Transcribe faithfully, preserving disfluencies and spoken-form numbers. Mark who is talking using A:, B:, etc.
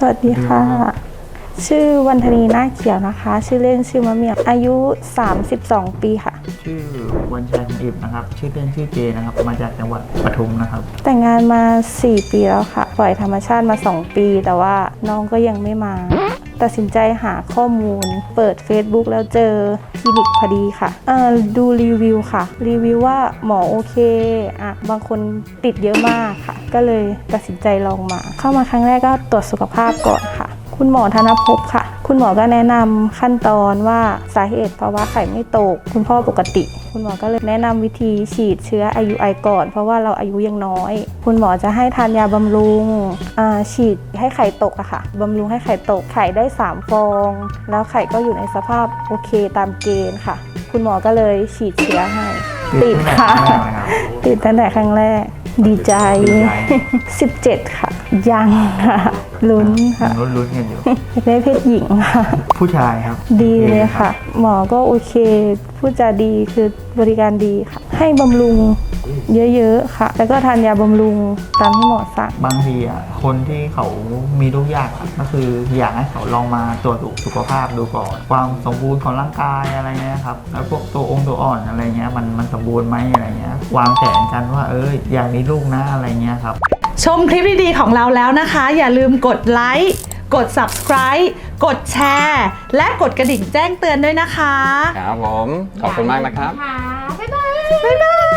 A: วัสดีค่ะชื่อวันธนีนาคเขียวนะคะชื่อเล่นชื่อมะเมียวอายุสามสิบสองปีค่ะ
B: ชื่อวันชัยของอิบนะครับชื่อเล่นชื่อเจนะครับมาจากจังหวัดปทุมนะครับ
A: แต่งงานมาสี่ปีแล้วค่ะปล่อยธรรมชาติมาสองปีแต่ว่าน้องก็ยังไม่มาตัดสินใจหาข้อมูลเปิด Facebook แล้วเจอคลินิกพอดีค่ะเอ่อดูรีวิวค่ะรีวิวว่าหมอโอเคอ่ะบางคนติดเยอะมากค่ะก็เลยตัดสินใจลองมาเข้ามาครั้งแรกก็ตรวจสุขภาพก่อนค่ะคุณหมอธนภพค่ะคุณหมอก็แนะนำขั้นตอนว่าสาเหตุเพราะว่าไข่ไม่ตกคุณพ่อปกติคุณหมอก็เลยแนะนำวิธีฉีดเชื้อ ไอ ยู ไอ ก่อนเพราะว่าเราอายุยังน้อยคุณหมอจะให้ทานยาบำรุงฉีดให้ไข่ตกอะค่ะบำรุงให้ไข่ตกไข่ได้สามฟองแล้วไข่ก็อยู่ในสภาพโอเคตามเกณฑ์ค่ะคุณหมอก็เลยฉีดเชื้อให้ติดค่ะติดตั้งแต่ครั้งแรกดีใจสิบเจ็ดค่ะยังค่ะลุ้นค่ะ
B: ลุ้นลุ้นกันอยู่
A: ได้เพศหญิงค่ะ
B: ผู้ชายครับ
A: ดีเลยค่ะหมอก็โอเคพูดจาดีคือบริการดีค่ะให้บำรุงเยอะๆค่ะแล้วก็ทานยาบำรุงตามที่หมอสั่ง
B: บางทีอ่ะคนที่เขามีลูกยากก็คืออยากให้เขาลองมาตรวจสุขภาพดูก่อนความสมบูรณ์ของร่างกายอะไรเงี้ยครับแล้วพวกตัวองค์ตัวอ่อนอะไรเงี้ยมันมันสมบูรณ์ไหมอะไรเงี้ยวางแผนกันว่าเอออยากมีลูกนะอะไรเงี้ยครับ
C: ชมคลิปดีๆของเราแล้วนะคะอย่าลืมกดไลค์กด ซับสไครบ์ กดแชร์และกดกระดิ่งแจ้งเตือนด้วยนะคะ
D: ครับผมขอบคุณมากนะครับ
C: บ๊ายบายบ๊ายบาย